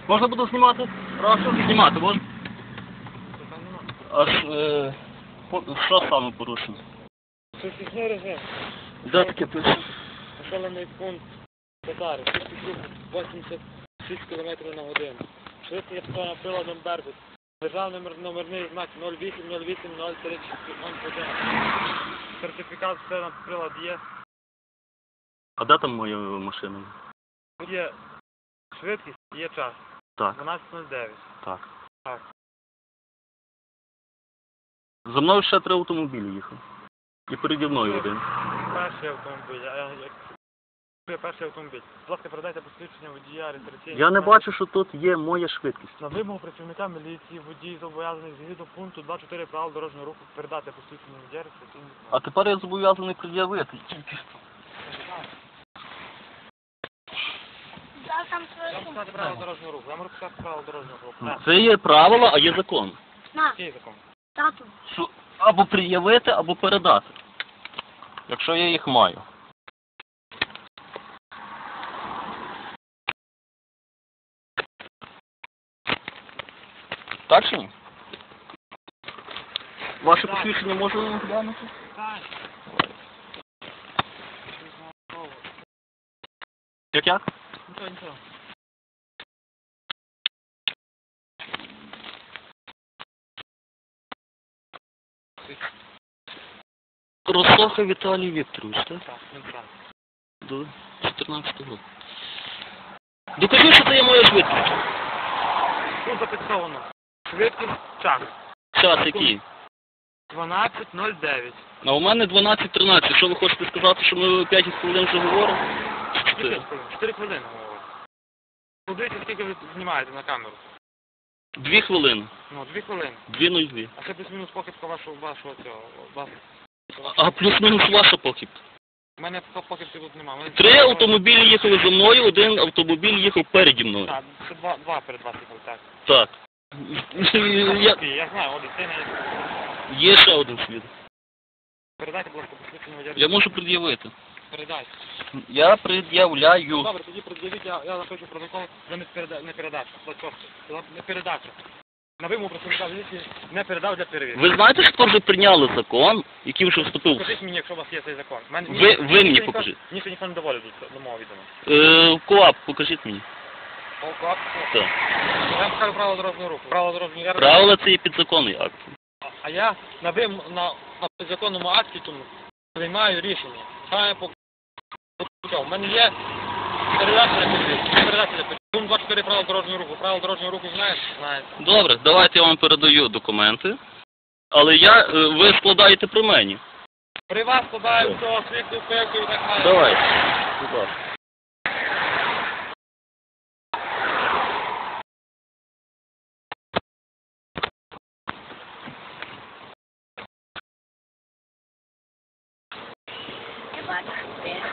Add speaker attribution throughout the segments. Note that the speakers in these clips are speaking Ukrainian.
Speaker 1: Можна буду знімати? Прошу. Знімати можна? Аж, що саме порушено?
Speaker 2: Швидкісний режим.
Speaker 1: Де таке пише?
Speaker 2: Населений пункт Татари. Швидкість руху 86 км на годину. Швидкість автомобіля приладом Беркут. Державний номерний знак 08080361. Сертифікат все на прилад є.
Speaker 1: А де там моя машина?
Speaker 2: Є швидкість, є час.
Speaker 1: Так.
Speaker 2: 12:09.
Speaker 1: Так.
Speaker 2: Так.
Speaker 1: За мною ще 3 автомобілі їхав. І переді мною один.
Speaker 2: Перший автомобіль. Перший автомобіль. Будь ласка, передайте посвідчення водія, реєстраційний.
Speaker 1: Я не бачу, що тут є моя швидкість.
Speaker 2: На вимогу працівника міліції водій зобов'язаний згідно пункту 2.4 правил дорожнього руху передати посвідчення водія, реєстраційний.
Speaker 1: А тепер я зобов'язаний пред'явити.
Speaker 2: Я можу сказати правила дорожнього руху. Я можу сказати правила дорожнього руху.
Speaker 1: Це є правила, а є закон.
Speaker 2: Який закон?
Speaker 3: Тату.
Speaker 1: Що або пред'явити, або передати. Якщо я їх маю. Так чи ні? Ваше посвідчення можна глянути?
Speaker 2: Так.
Speaker 1: Як?
Speaker 2: Нічого.
Speaker 1: Росоха Віталій Вікторович, так?
Speaker 2: Так, він сам.
Speaker 1: До 14 року. Докажи, що це є моя швидкість.
Speaker 2: Тут зафіксовано. Швидкість, час.
Speaker 1: Час який?
Speaker 2: 12:09.
Speaker 1: А у мене 12:13. Що ви хочете сказати, що ми 5 хвилин вже говоримо?
Speaker 2: 4 хвилини говорю. Подивіться, скільки ви знімаєте на камеру.
Speaker 1: 2 хвилини.
Speaker 2: Ну, 2 хвилини.
Speaker 1: 2:02.
Speaker 2: А це плюс-мінус похибка вашого цього.
Speaker 1: А плюс-мінус ваша похибка.
Speaker 2: У мене похибки тут немає.
Speaker 1: 3 автомобілі їхали за мною, 1 автомобіль їхав переді мною.
Speaker 2: Так, це два перед вас їхали, так.
Speaker 1: Так.
Speaker 2: Я знаю, один сильний.
Speaker 1: Є ще один свідок.
Speaker 2: Передайте, будь ласка, посвідчення водія.
Speaker 1: Я можу пред'явити.
Speaker 2: Передайте.
Speaker 1: Я пред'являю.
Speaker 2: Добре, тоді пред'явіть, я запишу протокол за не передачу. Не передачу. На вимогу працівника міліції не передав для перевірки.
Speaker 1: Ви знаєте, що вже прийняли закон, який вже вступив?
Speaker 2: Покажіть мені, якщо у вас є цей закон.
Speaker 1: Ви мені покажіть.
Speaker 2: Мені ще ніхто не доводить до мого відома.
Speaker 1: КоАП, покажіть мені.
Speaker 2: КоАП?
Speaker 1: Так.
Speaker 2: Я вам скажу правила дорожнього руху.
Speaker 1: Правила це є підзаконний акт.
Speaker 2: А я на підзаконному акті тому приймаю рішення. Саме по у мене є передача. Пункт 24 правил дорожнього руху. Правила дорожнього руху знаєте? Знаєте.
Speaker 1: Добре, давайте я вам передаю документи. Але ви складаєте при мені.
Speaker 2: При вас складаю всього світу, пеку і так далі.
Speaker 1: Давайте. Будь ласка.
Speaker 3: Я бачу, що ти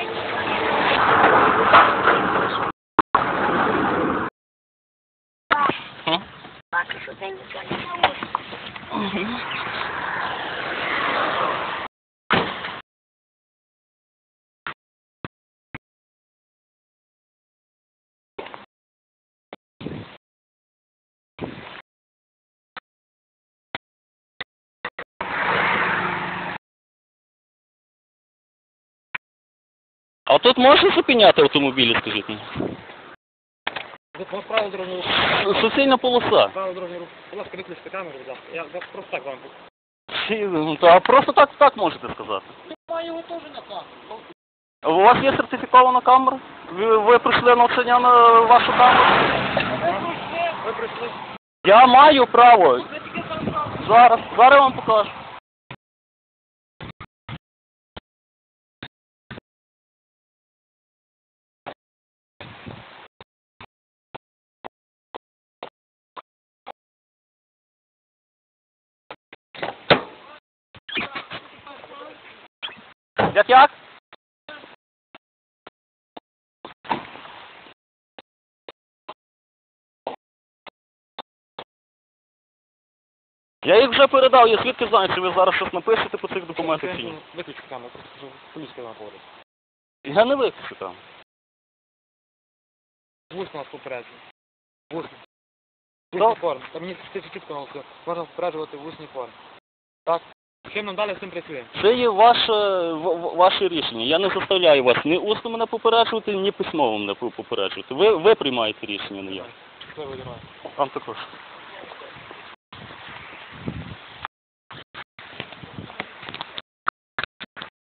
Speaker 3: бачу, що ти нічого не можеш.
Speaker 1: А тут можна зупиняти автомобілі, скажіть мені?
Speaker 2: Правила дорожнього руху.
Speaker 1: Суцільна полоса.
Speaker 2: Правила дорожнього руху. Будь ласка, виключте камеру, будь ласка. Я просто так вам покажу.
Speaker 1: А просто так можете сказати.
Speaker 2: Я його теж на камеру.
Speaker 1: У вас є сертифікована камера? Ви прийшли навчання на вашу камеру?
Speaker 2: Ви прийшли.
Speaker 1: Я маю право. Зараз я вам покажу. Як? Я їх вже передав, я звідки знаю, чи ви зараз щось напишете по цих документах чи ні.
Speaker 2: Виключте камеру, просто поліція вам говорить.
Speaker 1: Я не виключу там.
Speaker 2: Вулиця нас попереджує. В усній. В
Speaker 1: Що?
Speaker 2: усній формі. Та мені чітко наголосили. Можна попереджувати в усній формі. Так? Чим нам далі з цим працюємо?
Speaker 1: Це є ваше рішення. Я не заставляю вас ні усно мене попереджувати, ні письмово мене попереджувати. Ви приймаєте рішення, не я.
Speaker 2: Щасливо, Дімай.
Speaker 1: Вам також.